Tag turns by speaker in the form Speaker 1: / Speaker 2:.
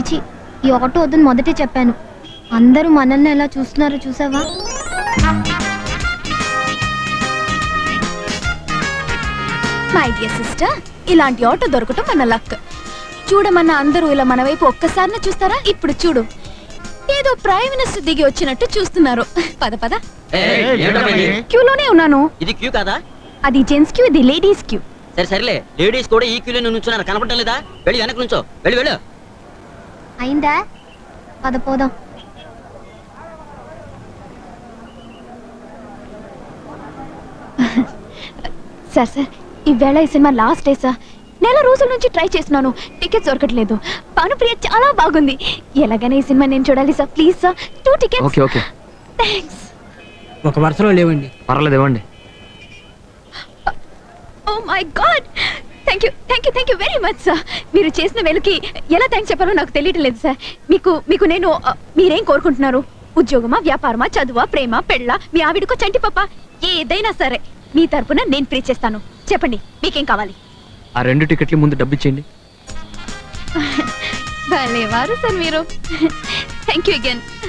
Speaker 1: నుంచి ఈ ఆటో వద్దని మొదటే చెప్పాను. అందరూ మనల్ని ఎలా చూస్తున్నారో చూసావా?
Speaker 2: మై డియర్ సిస్టర్, ఇలాంటి ఆటో దొరకటం మన లక్. చూడమన్న అందరూ ఇలా మన వైపు ఒక్కసారినే చూస్తారా? ఇప్పుడు చూడు, ఏదో ప్రైమ్ మినిస్టర్ దిగి వచ్చినట్టు చూస్తున్నారు. పద పద. క్యూలోనే ఉన్నాను.
Speaker 3: ఇది క్యూ కాదా?
Speaker 2: అది జెంట్స్ క్యూ, ఇది లేడీస్ క్యూ.
Speaker 3: సరే సరేలే, లేడీస్ కూడా ఈ క్యూలో నుంచున్నారు, కనపడటం లేదా? వెళ్ళి వెనక నుంచో, వెళ్ళి వెళ్ళు.
Speaker 1: అయిందా? పద పోదాం.
Speaker 2: సార్ సార్, ఈవేళ ఈ సినిమా లాస్ట్ డే సార్. నెల రోజుల నుంచి ట్రై చేస్తున్నాను, టికెట్స్ దొరకట్లేదు. భానుప్రియ చాలా బాగుంది. ఎలాగైనా ఈ సినిమా నేను చూడాలి sir. Please sir, 2 tickets.
Speaker 4: Okay okay.
Speaker 2: Thanks.
Speaker 5: ఒక వరుసలో లేవండి.
Speaker 4: పర్వాలేదు, ఇవ్వండి.
Speaker 2: Oh my God, thank you very much sir. మీరు చేసిన వెలుకి ఎలా థ్యాంక్స్ చెప్పాలో నాకు తెలియటం లేదు సార్. మీకు నేను మీరేం కోరుకుంటున్నారు? ఉద్యోగమా, వ్యాపారమా, చదువా, ప్రేమ, పెళ్ళ, మీ ఆవిడకో చంటి పప్ప, ఏదైనా సరే మీ తరపున నేను ప్రే చేస్తాను. చెప్పండి, మీకేం కావాలి?
Speaker 4: ఆ 2 టికెట్లు ముందు డబ్బు ఇచ్చేయండి.
Speaker 2: భలేవారు సార్ మీరు. Thank you again.